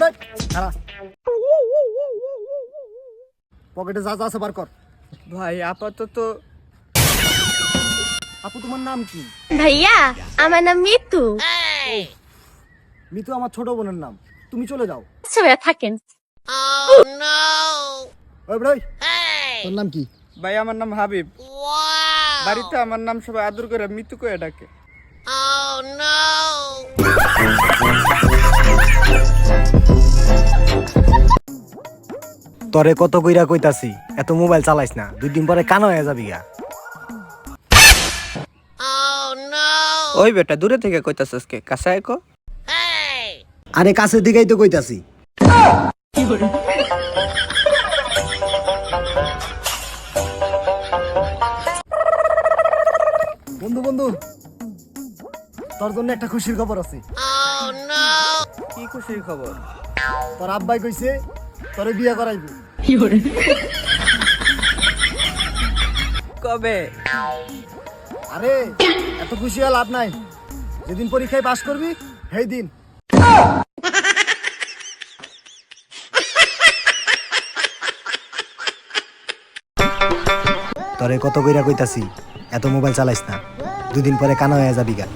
পকেটে যা যা আছে বার কর। ভাই আপাতত আপু তোমার নাম কি? ভাইয়া আমার নাম মিতু। মিতু আমার ছোট বোনের নাম। তুমি চলে যাও। আচ্ছা ভাইয়া থাকেন। ওই ভাই তোর নাম কি? ভাই আমার নাম হাবিব। বাড়িতে আমার নাম সবাই আদর করে মিতু করে ডাকে। তরে কত কইরা কইতাছি এত মোবাইল চালাইস না, 2 দিন পরে কানা হয়ে যাবি গা। ওই বেটা দূরে থেকে কইতাছস কে? কাছে আয় কো। আরে কাছের দিকেই তো কইতাছি। বন্ধু বন্ধু তোর জন্য একটা খুশির খবর আছে। কি খুশির খবর? তোর আব্বাই কইছে তোরে বিয়ে করাইবো। কবে? আরে এত খুশি হওয়া লাভ নাই, যেদিন পরীক্ষায় পাস করবি সেই দিন। তোরে কত কইরা কইতাছি এত মোবাইল চালাইস না, 2 দিন পরে কানা হয়ে যাবি গা।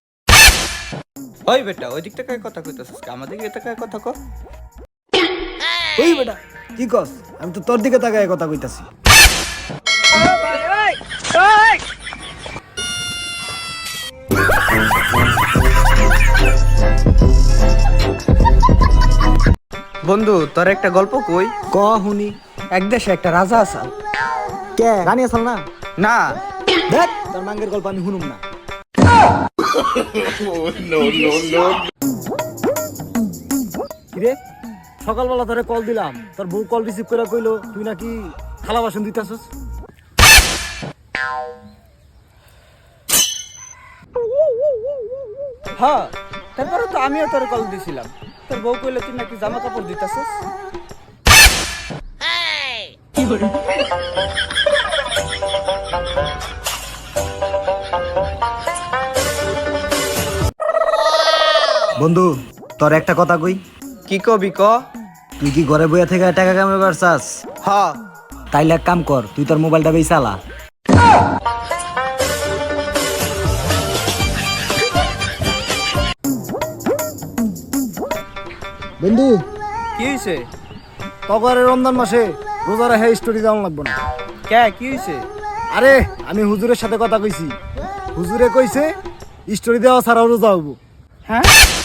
ওই বেটা ওই দিক থেকে কথা কইতাছস কে? আমাদের দিকে তাকায় কথা কো। ওই বেটা কি কস? আমি তো তোর দিকে তাকায় কথা কইতাছি। বন্ধু তোর একটা গল্প কই। ক হুনি। এক দেশে একটা রাজা আসাল। কে রানী আসাল না? না দেখ তোর মাঙ্গের গল্প আমি শুনুম না। কিরে সকালবেলা তোরে কল দিলাম, তোর বউ কল রিসিভ করে কইলো তুই নাকি থালা বাসন দিতাছস। হ্যাঁ তারপরে তো আমিও তোর কল দিছিলাম, তোর বউ কইলো তুই নাকি জামা কাপড় দিতাছস। বন্ধু তোর একটা কথা কই। কি কবি ক। তুই কি ঘরে বইয়া থেকে টাকা কামাইবার চাস? হ্যাঁ তাইলে এক কাম কর, তুই তোর মোবাইলটা বেই চালা। বন্ধু কি হইছে? তগরে রমজান মাসে রোজা রেখে স্টোরি দেওয়া লাগবে না। কে কি হইছে? আরে আমি হুজুরের সাথে কথা কইছি, হুজুরে কইছে স্টোরি দেওয়া ছাড়াও রোজা হবো। হ্যাঁ